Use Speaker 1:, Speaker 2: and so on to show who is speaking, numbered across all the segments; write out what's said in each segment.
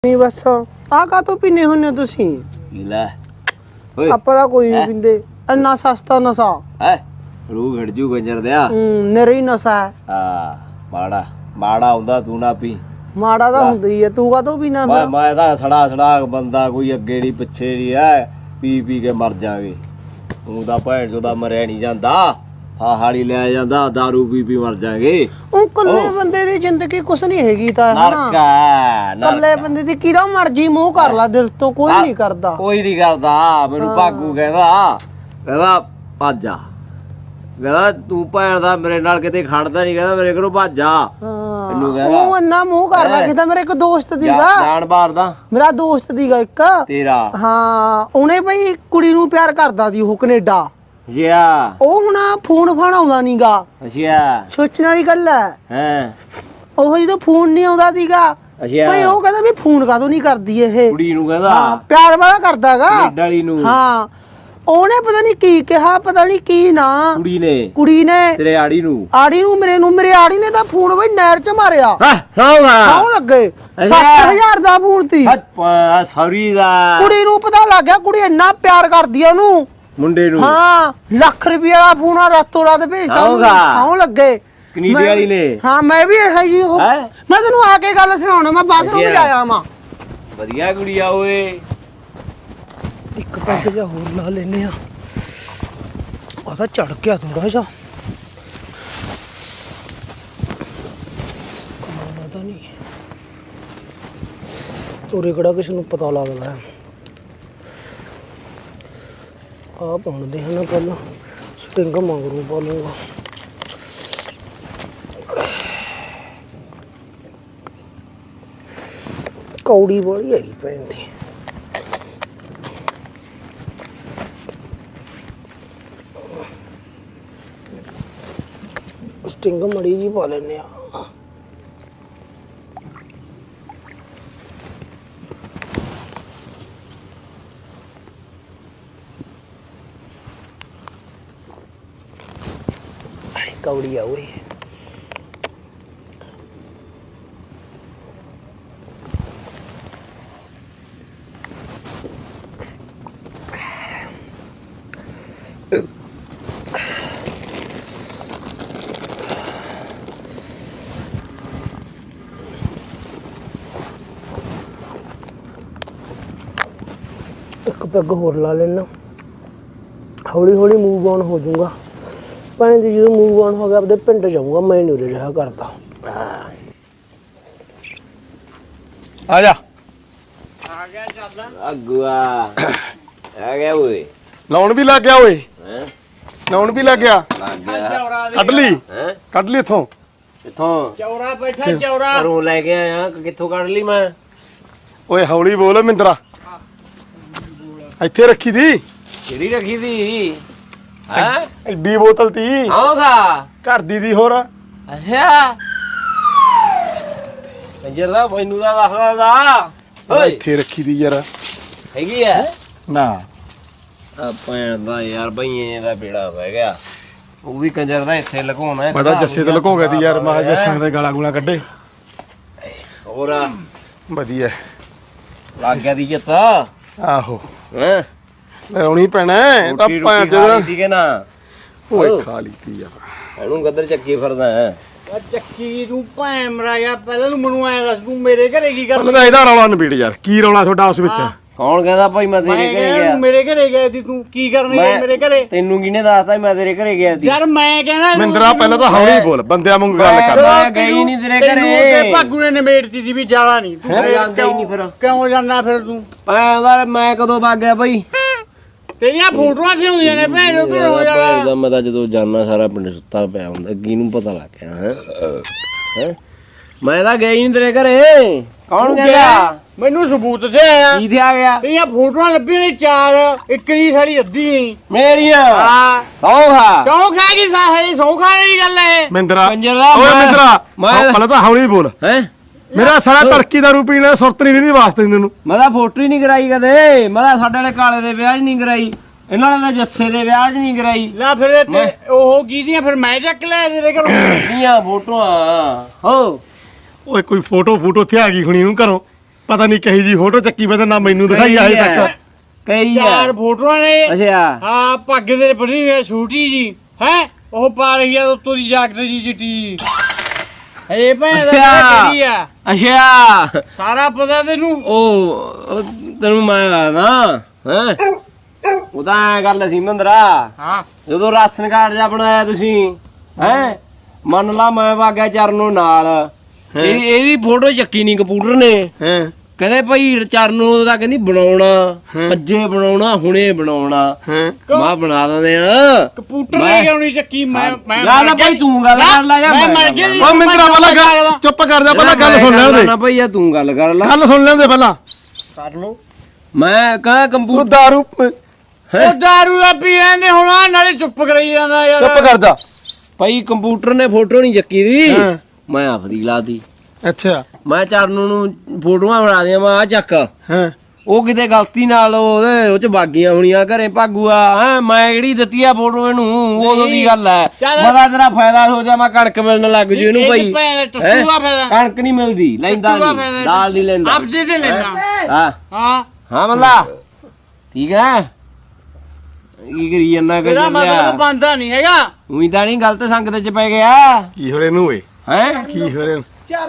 Speaker 1: नहीं बस आ का तो पीने होने तुसी
Speaker 2: ਲੈ ਓਏ
Speaker 1: ਆਪਾਂ ਦਾ ਕੋਈ ਨਹੀਂ ਪੀਂਦੇ ਇੰਨਾ ਸਸਤਾ ਨਸ਼ਾ
Speaker 2: ਹੈ ਰੂ ਘੜ ਜੂ ਗੰਜਰ ਦਿਆ
Speaker 1: ਨਰੇ ਹੀ ਨਸ਼ਾ ਹੈ
Speaker 2: ਹਾਂ ਮਾੜਾ ਹੁੰਦਾ ਤੂੰ ਨਾ ਪੀ
Speaker 1: ਮਾੜਾ ਤਾਂ ਹੁੰਦਾ ਹੀ ਹੈ ਤੂੰ ਕਾ ਤੋਂ ਪੀਣਾ ਫਿਰ
Speaker 2: ਮੈਂ ਤਾਂ ਸੜਾ ਬੰਦਾ ਕੋਈ ਅੱਗੇ ਨਹੀਂ ਪਿੱਛੇ ਨਹੀਂ ਹੈ ਪੀ ਕੇ ਮਰ ਜਾਗੇ ਤੂੰ ਤਾਂ ਭੈਣ ਚੋਦਾ ਮਰਿਆ ਨਹੀਂ ਜਾਂਦਾ ਹਾੜੀ ਲੈ ਜਾਂਦਾ दारू ਪੀ ਮਰ ਜਾਗੇ
Speaker 1: ਉਹ ਕੱਲੇ ਬੰਦੇ ਦੀ ਜ਼ਿੰਦਗੀ ਕੁਛ ਨਹੀਂ ਹੈਗੀ ਤਾਂ
Speaker 2: ਨਰਕਾ
Speaker 1: ਕੱਲੇ ਬੰਦੇ ਦੀ ਕਿਹਦਾ ਮਰਜੀ ਮੂੰਹ ਕਰ ਲਾ ਦਿਲ ਤੋਂ ਕੋਈ ਨਹੀਂ ਕਰਦਾ
Speaker 2: ਮੈਨੂੰ ਭਾਗੂ ਕਹਿੰਦਾ ਭੱਜ ਜਾ ਕਹਿੰਦਾ ਤੂੰ ਭੈਣ ਦਾ ਮੇਰੇ ਨਾਲ ਕਿਤੇ ਖੜਦਾ ਨਹੀਂ ਕਹਿੰਦਾ ਮੇਰੇ ਕੋਲੋਂ ਭੱਜ ਜਾ ਮੈਨੂੰ ਕਹਿੰਦਾ
Speaker 1: ਉਹ ਇੰਨਾ ਮੂੰਹ ਕਰ ਲਾ ਕਿਤਾ ਮੇਰੇ ਇੱਕ ਦੋਸਤ ਦੀਗਾ
Speaker 2: ਜਾਣਬਾਰ ਦਾ
Speaker 1: ਮੇਰਾ ਦੋਸਤ ਦੀਗਾ ਇੱਕ
Speaker 2: ਤੇਰਾ
Speaker 1: ਹਾਂ ਉਹਨੇ ਬਈ ਕੁੜੀ ਨੂੰ ਪਿਆਰ ਕਰਦਾ ਸੀ ਉਹ ਕੈਨੇਡਾ
Speaker 2: ਜਿਆ
Speaker 1: ਉਹ ਹੁਣ ਫੋਨ ਫਾਨ ਆਉਂਦਾ ਨਹੀਂਗਾ
Speaker 2: ਅੱਛਾ
Speaker 1: ਸੋਚਣ ਵਾਲੀ ਗੱਲ ਹੈ ਉਹ ਜਦੋਂ ਫੋਨ ਨਹੀਂ ਆਉਂਦਾ ਸੀਗਾ ਭਈ ਉਹ ਕਹਿੰਦਾ ਵੀ ਫੋਨ ਕਾਹਤੋਂ ਨਹੀਂ ਕਰਦੀ ਇਹ
Speaker 2: ਕੁੜੀ ਨੂੰ ਕਹਿੰਦਾ
Speaker 1: ਹਾਂ ਪਿਆਰ ਵਾਲਾ ਕਰਦਾਗਾ
Speaker 2: ਕੈਨੇਡਾ ਵਾਲੀ ਨੂੰ ਹਾਂ
Speaker 1: ਉਹਨੇ ਪਤਾ ਨਹੀਂ ਕੀ ਕਿਹਾ ਪਤਾ ਨਹੀਂ ਕੀ ਨਾ ਕੁੜੀ ਨੇ
Speaker 2: ਤੇਰੇ ਆੜੀ ਨੂੰ
Speaker 1: ਮੇਰੇ ਆੜੀ ਨੇ ਤਾਂ ਫੋਨ ਬਈ ਨਹਿਰ ਚ ਮਾਰਿਆ ਸੌ ਲੱਗੇ 7000 ਦਾ ਫੋਨ ਸੀ
Speaker 2: ਸੌਰੀ ਦਾ
Speaker 1: ਕੁੜੀ ਨੂੰ ਪਤਾ ਲੱਗ ਗਿਆ ਕੁੜੀ ਇੰਨਾ ਪਿਆਰ ਕਰਦੀ ਆ ਉਹਨੂੰ ਮੁੰਡੇ ਨੂੰ ਹਾਂ ਲੱਖ ਰੁਪਏ ਵਾਲਾ ਫੋਨ ਆ ਰਾਤੋਂ ਰਾਤ ਭੇਜਦਾ ਸੌ ਲੱਗੇ
Speaker 2: ਕੈਨੇਡਾ ਵਾਲੀ ਨੇ
Speaker 1: ਹਾਂ ਮੈਂ ਵੀ ਇਹ ਜੀ ਮੈਂ ਤੈਨੂੰ ਆ ਕੇ ਗੱਲ ਸੁਣਾਉਣਾ ਮੈਂ ਬਾਥਰੂਮ ਜਾਇਆ ਮਾਂ
Speaker 2: ਵਧੀਆ ਕੁੜੀ ਆ ਓਏ
Speaker 1: ਇੱਕ ਪੈਗ ਜਿਹਾ ਹੋਰ ਲਾ ਲੈਨੇ ਆ ਉਹਦਾ ਚੜ ਗਿਆ ਥੋੜਾ ਜਿਹਾ ਪਤਾ ਨਹੀਂ ਤੋਰੇ ਕਿਹੜਾ ਕਿਸੇ ਨੂੰ ਪਤਾ ਲੱਗਦਾ ਆ ਪਾਉਂਦੇ ਹਨ ਪਹਿਲਾਂ ਸਟਿੰਗ ਮੰਗਰੂ ਪਾ ਲੂੰਗਾ ਕੌੜੀ ਵਾਲੀ ਹੈਗੀ ਪੈਂਦੀ ਸਟਿੰਗ ਮੜੀ ਜੀ ਪਾ ਲੈਨੇ ਆ ਕੌੜੀ ਆ ਓਏ ਇੱਕ ਪੈਗ ਹੋਰ ਲਾ ਲੈਣਾ ਹੌਲੀ ਹੌਲੀ ਮੂਵ ਆਨ ਹੋ ਜਾਊਗਾ ਭਾਵੇਂ ਜਦੋਂ ਮੂਵ ਆਨ ਹੋ ਗਿਆ ਆਪਦੇ ਪਿੰਡ ਜਾਊਗਾ ਮੈਂ ਨਹੀਂ ਉਰੇ ਰਿਹਾ ਕਰਦਾ
Speaker 3: ਆ ਜਾ
Speaker 2: ਆ ਗਿਆ ਚੱਲ ਅਗਵਾ ਆ ਗਿਆ ਓਏ
Speaker 3: ਲਾਉਣ ਵੀ ਲੱਗ ਗਿਆ ਓਏ
Speaker 2: ਹੈ
Speaker 3: ਲਾਉਣ ਵੀ ਲੱਗ ਗਿਆ ਕੱਢ ਲਈ ਇੱਥੋਂ
Speaker 2: ਚੌਰਾ ਬੈਠਾ ਚੌਰਾ ਘਰੋਂ ਲੈ ਕੇ ਆਇਆ ਕਿੱਥੋਂ ਕੱਢ ਲਈ ਮੈਂ
Speaker 3: ਓਏ ਹੌਲੀ ਬੋਲ ਮਿੰਦਰਾ ਇੱਥੇ ਰੱਖੀ ਦੀ
Speaker 2: ਕਿਹੜੀ ਰੱਖੀ ਦੀ ਹੈ
Speaker 3: ਐਡੀ ਬੋਤਲ ਤੀ
Speaker 2: ਆਉਗਾ
Speaker 3: ਘਰ ਦੀ ਹੋਰ
Speaker 2: ਅੱਛਾ ਕੰਜਰ ਮੈਨੂੰ ਦਾ ਦੱਸਦਾ ਦਾ
Speaker 3: ਓਏ ਇੱਥੇ ਰੱਖੀ ਦੀ ਯਾਰ
Speaker 2: ਹੈਗੀ ਆ
Speaker 3: ਨਾ
Speaker 2: ਆ ਭੈਣ ਦਾ ਯਾਰ ਬਈਏ ਦਾ ਬੇੜਾ ਪੈ ਗਿਆ ਉਹ ਵੀ ਕੰਜਰ ਦਾ ਇੱਥੇ ਲੁਕਾਉਣਾ
Speaker 3: ਮੈਂ ਤਾਂ ਜੱਸੇ ਤੇ ਲੁਕੋ ਗਿਆ ਦੀ ਯਾਰ ਮੈਂ ਜੱਸਾਂ ਦੇ ਗਾਲਾਂ ਗੂਲਾਂ ਕੱਢੇ
Speaker 2: ਹੋਰ
Speaker 3: ਵਧੀਆ
Speaker 2: ਲੱਗ ਗਿਆ ਦੀ ਜਿੱਤ
Speaker 3: ਆਹੋ
Speaker 2: ਹੈ
Speaker 3: ਲਾਉਣੀ ਪੈਣਾ ਤਾਂ ਭੈਣ ਚੋਦ
Speaker 2: ਠੀਕ ਹੈ ਨਾ
Speaker 3: ਓਏ ਖਾ ਲਈ ਤੀ ਯਾਰ
Speaker 2: ਇਹਨੂੰ ਕਦਰ ਚੱਕੀ ਫਿਰਦਾ ਹੈ
Speaker 4: ਚੱਕੀ ਤੂੰ ਭੈਣ ਮਰਾਇਆ ਪਹਿਲਾਂ ਨੂੰ ਮੈਨੂੰ ਐ ਦੱਸ ਤੂੰ ਮੇਰੇ ਘਰੇ ਕੀ
Speaker 3: ਪਹਿਲਾਂ ਤਾਂ ਇਹਦਾ ਰੌਲਾ ਨਿਬੇੜ ਯਾਰ ਕੀ ਰੌਲਾ ਤੁਹਾਡਾ ਉਸ ਵਿੱਚ
Speaker 2: ਕੌਣ ਕਹਿੰਦਾ ਭਾਈ ਮੈਂ ਤੇਰੇ ਘਰੇ ਗਿਆ
Speaker 4: ਮੇਰੇ ਘਰੇ ਗਿਆ ਸੀ ਤੂੰ ਕੀ ਕਰਨ ਗਿਆ ਮੇਰੇ ਘਰੇ
Speaker 2: ਤੈਨੂੰ ਕਿਹਨੇ ਦੱਸਤਾ ਮੈਂ ਤੇਰੇ ਘਰੇ ਗਿਆ ਸੀ
Speaker 4: ਯਾਰ ਮੈਂ ਕਹਿੰਦਾ
Speaker 3: ਮਿੰਦਰਾ ਪਹਿਲਾਂ ਤਾਂ ਹੌਲੀ ਬੋਲ ਬੰਦਿਆਂ ਵਾਂਗੂ ਗੱਲ ਕਰ
Speaker 2: ਮੈਂ ਗਈ ਨਹੀਂ ਤੇਰੇ ਘਰੇ
Speaker 4: ਭਾਗੂ ਨੇ ਨਿਬੇੜਤੀ ਸੀ ਵੀ ਜਾਣਾ ਨਹੀਂ ਤੂੰ
Speaker 2: ਜਾਂਦਾ ਹੀ ਨਹੀਂ ਫਿਰ
Speaker 4: ਕਿਉਂ ਜਾਂਦਾ ਫਿਰ ਤੂੰ
Speaker 2: ਮੈਂ ਕਦੋਂ ਵਗ ਗਿਆ ਭਾਈ
Speaker 4: ਤੇਰੀਆਂ ਫੋਟੋਆਂ ਕਿਉਂ ਹੁੰਦੀਆਂ ਨੇ ਭੈਣ ਉਹ ਕਿਉਂ ਹੋ ਜਾਣਾ
Speaker 2: ਮੈਂ ਤਾਂ ਜਦੋਂ ਜਾਣਾ ਸਾਰਾ ਪਿੰਡ ਸੁੱਤਾ ਪਿਆ ਹੁੰਦਾ ਕਿਹਨੂੰ ਪਤਾ ਲੱਗ ਗਿਆ ਹੈ ਮੈਂ ਤਾਂ ਗਈ ਨਹੀਂ ਤੇਰੇ ਘਰੇ ਕੌਣ ਗਿਆ
Speaker 4: ਮੈਨੂੰ ਸਬੂਤ ਤੇ ਆਇਆ
Speaker 2: ਕੀ ਆ ਗਿਆ
Speaker 4: ਤੇਰੀਆਂ ਫੋਟੋਆਂ ਲੱਭੀਆਂ ਨੇ 4 ਇੱਕ ਦੀ ਸਾਡੀ ਅੱਧੀ ਨਹੀਂ
Speaker 2: ਮੇਰੀਆਂ
Speaker 4: ਹਾਂ
Speaker 2: ਸੌਖਾ
Speaker 4: ਚੌਂਕ ਹੈ ਕਿ ਸਾਹੇ ਸੌਖਾਣੇ ਦੀ ਗੱਲ ਹੈ
Speaker 3: ਮਿੰਦਰਾ
Speaker 2: ਕੰਜਰ ਦਾ
Speaker 3: ਓਏ ਮਿੰਦਰਾ
Speaker 2: ਮੈਂ
Speaker 3: ਪਹਿਲਾਂ ਤਾਂ ਹੌਲੀ ਬੋਲ
Speaker 2: ਹੈ
Speaker 3: ਮੇਰਾ ਸਾਰਾ ਤਰੱਕੀ ਦਾ ਰੂਪੀ ਨੇ ਸੁਰਤ ਨਹੀਂ ਰਹਿੰਦੀ ਵਾਸਤੇ ਤੈਨੂੰ
Speaker 2: ਮੈਂ ਤਾਂ ਫੋਟੋ ਹੀ ਨਹੀਂ ਕਰਾਈ ਕਦੇ ਮੈਂ ਤਾਂ ਸਾਡੇ ਵਾਲੇ ਕਾਲੇ ਦੇ ਵਿਆਹ 'ਚ ਨਹੀਂ ਕਰਾਈ ਇਹਨਾਂ ਨੇ ਤਾਂ ਜੱਸੇ ਦੇ ਵਿਆਹ 'ਚ ਨਹੀਂ ਕਰਾਈ
Speaker 4: ਲੈ ਫਿਰ ਤੇ ਉਹ ਕੀਦੀਆਂ ਫਿਰ ਮੈਂ ਚੱਕ ਲੈ ਤੇਰੇ ਘਰੋਂ
Speaker 2: ਦੀਆਂ ਫੋਟੋਆਂ ਹੋ
Speaker 3: ਓਏ ਕੋਈ ਫੋਟੋ ਇੱਥੇ ਆ ਗਈ ਹੁਣੀ ਨੂੰ ਘਰੋਂ ਪਤਾ ਨਹੀਂ ਕਹੀ ਜੀ ਫੋਟੋ ਚੱਕੀ ਮੈਂ ਤਾਂ ਨਾ ਮੈਨੂੰ ਦਿਖਾਈ ਆਏ ਤੱਕ
Speaker 2: ਕਈ
Speaker 4: ਚਾਰ
Speaker 2: ਆ
Speaker 4: ਫੋਟੋਆਂ ਨੇ
Speaker 2: ਅੱਛਾ
Speaker 4: ਹਾਂ ਪੱਗ ਦੇ ਬਣੀ ਹੋਈ ਛੋਟੀ ਜੀ ਹੈ ਉਹ ਪਾ ਰਹੀ ਆ ਉੱਤੋਂ ਦੀ ਜਾਕਟ ਜੀ ਚਿੱਟੀ ਇਹ ਭੈਣ ਦਾ ਕਿਹੜੀ ਆ
Speaker 2: ਅੱਛਾ
Speaker 4: ਸਾਰਾ ਪਤਾ ਤੈਨੂੰ
Speaker 2: ਉਹ ਤੈਨੂੰ ਮੈਂ ਦੱਸਦਾ ਹੈ ਉਹਦਾ ਐ ਗੱਲ ਸੀ ਮੰਦਰਾ
Speaker 4: ਹਾਂ
Speaker 2: ਜਦੋਂ ਰਾਸ਼ਨ ਕਾਰਡ ਜਾ ਬਣਾਇਆ ਤੁਸੀਂ ਹੈ ਮੰਨ ਲਾ ਮੈਂ ਵਾਗਿਆ ਚਰਨੋਂ ਨਾਲ ਇਹਦੀ ਫੋਟੋ ਚੱਕੀ ਨਹੀਂ ਕੰਪਿਊਟਰ ਨੇ
Speaker 3: ਹਾਂ
Speaker 2: ਕਹਿੰਦੇ ਭਾਈ ਚਰਨੋਂ ਦਾ ਕਹਿੰਦੀ ਬਣਾਉਣਾ ਅੱਜੇ ਬਣਾਉਣਾ ਹੁਣੇ ਬਣਾਉਣਾ
Speaker 3: ਹਾਂ
Speaker 2: ਮੈਂ ਬਣਾ ਦਿੰਦੇ ਆ
Speaker 4: ਕੰਪਿਊਟਰ ਲੈ ਕੇ ਆਉਣੀ ਚੱਕੀ ਮੈਂ
Speaker 2: ਨਾ ਨਾ ਭਾਈ ਤੂੰ ਗੱਲ ਕਰ ਲੈ ਜਾ
Speaker 4: ਮੈਂ ਮਰ ਗਿਆ ਜੀ।
Speaker 3: ਉਹ ਮਿੰਦਰਾ ਪਹਿਲਾਂ ਗੱਲ ਚੁੱਪ ਕਰ ਜਾ ਪਹਿਲਾਂ ਗੱਲ ਸੁਣ ਲੈਣ ਦੇ
Speaker 2: ਨਾ ਭਾਈ ਤੂੰ ਗੱਲ ਕਰ ਲੈ
Speaker 3: ਗੱਲ ਸੁਣ ਲੈਣ ਦੇ ਪਹਿਲਾਂ
Speaker 4: ਕਰ ਲੋ
Speaker 2: ਮੈਂ ਕਹਾਂ
Speaker 3: ਉਹ
Speaker 2: ਕੰਪਿਊਟਰ
Speaker 3: ਦਾਰੂ
Speaker 4: ਉਹ ਦਾਰੂ ਦਾ ਪੀ ਲੈਂਦੇ ਹੁਣ ਨਾਲੇ ਚੁੱਪ ਕਰਾਈ ਜਾਂਦਾ ਯਾਰ
Speaker 3: ਚੁੱਪ ਕਰ ਜਾ
Speaker 2: ਭਾਈ ਕੰਪਿਊਟਰ ਨੇ ਫੋਟੋ ਨਹੀਂ ਚੱਕੀ ਦੀ
Speaker 3: ਹਾਂ।
Speaker 2: ਮੈਂ ਆਪਦੀ ਲਾਤੀ
Speaker 3: ਅੱਛਾ
Speaker 2: ਮੈਂ ਚਰਨੋਂ ਨੂੰ ਫੋਟੋਆਂ ਬਣਾ ਦਿਆਂ ਮੈਂ ਆ ਚੱਕ
Speaker 3: ਹਾਂ
Speaker 2: ਉਹ ਕਿਤੇ ਗਲਤੀ ਨਾਲ ਉਹ ਚ ਬਾਗੀਆਂ ਹੋਣੀਆਂ ਘਰੇ ਭਾਗੂਆ ਹੈ ਮੈਂ ਜਿਹੜੀ ਦਿੱਤੀ ਆ ਫੋਟੋ ਇਹਨੂੰ ਉਦੋਂ ਦੀ ਗੱਲ ਹੈ
Speaker 4: ਚੱਲ।
Speaker 2: ਮਦਾ ਤੇਰਾ ਫਾਇਦਾ ਹੋ ਜਾ ਮੈਂ ਕਣਕ ਮਿਲਣ ਲੱਗ ਜੂ ਇਹਨੂੰ ਭਾਈ
Speaker 4: ਟੱਟੂ ਦਾ ਫਾਇਦਾ
Speaker 2: ਕਣਕ ਨਹੀਂ ਮਿਲਦੀ ਲੈਂਦਾ
Speaker 4: ਟੱਟੂ ਦਾ
Speaker 2: ਨਹੀਂ
Speaker 4: ਫਾਇਦਾ।
Speaker 2: ਦਾਲ ਨਹੀਂ ਲੈਂਦਾ
Speaker 4: ਆਪ ਜੇ ਤੇ ਲੈਣਾ
Speaker 2: ਹਾਂ
Speaker 4: ਹਾਂ
Speaker 2: ਹਾਂ ਮੱਲਾ ਠੀਕ ਹੈ ਕੀ ਕਰੀ ਜਾਂਦਾ
Speaker 4: ਇਹਦਾ
Speaker 2: ਕਰ
Speaker 4: ਮਤਲਬ ਬੰਦਾ ਨਹੀਂ ਹੈਗਾ
Speaker 2: ਉਹੀ ਤਾਂ ਨਹੀਂ ਗਲਤ ਸੰਗਤ ਚ ਪੈ ਗਿਆ
Speaker 3: ਕੀ ਹੋ ਰਿਹਾ ਨੂੰ ਓਏ
Speaker 2: ਹੈ
Speaker 3: ਕੀ ਹੋ ਰਿਹਾ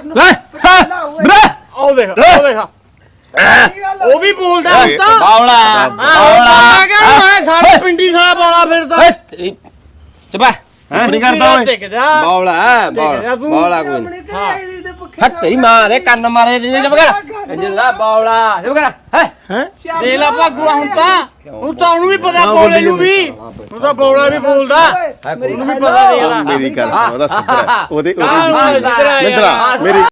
Speaker 4: ਉਹ ਦੇਖ ਉਹ ਦੇਖ ਉਹ ਵੀ ਬੋਲਦਾ ਹੁਣ ਤਾਂ
Speaker 2: ਬਾਵਲਾ
Speaker 4: ਆ ਗਿਆ ਮੈਂ ਸਾਰੇ ਪਿੰਡੀ ਸਾਲਾ ਬੋਲਾ ਫਿਰਦਾ
Speaker 2: ਚਪਾ
Speaker 3: ਨਹੀਂ ਕਰਦਾ ਓਏ
Speaker 2: ਬਾਵਲਾ ਬਾਵਲਾ ਕੋਈ ਹੱਟ ਤੇਰੀ ਮਾਂ ਦੇ ਕੰਨ ਮਾਰੇ ਜਿੰਨੇ ਚਪ ਕਰ ਜਿੰਦਾ ਬਾਵਲਾ ਚਪ ਕਰ ਹੈ
Speaker 3: ਹੈ
Speaker 4: ਦੇ ਲਾ ਭਾਗੂਆ ਹੁਣ ਤਾਂ ਉਹਨੂੰ ਵੀ ਪਤਾ ਬੋਲੇ ਨੂੰ ਵੀ ਹੁਣ ਤਾਂ ਬੋਲਾ ਵੀ ਬੋਲਦਾ ਉਹਨੂੰ ਵੀ ਪਤਾ ਦੇ ਲਾ
Speaker 3: ਮੇਰੀ ਗੱਲ ਉਹਦਾ ਸੁਧਰਾ ਉਹਦੇ
Speaker 4: ਮਿੰਦਰਾ
Speaker 3: ਮੇਰੀ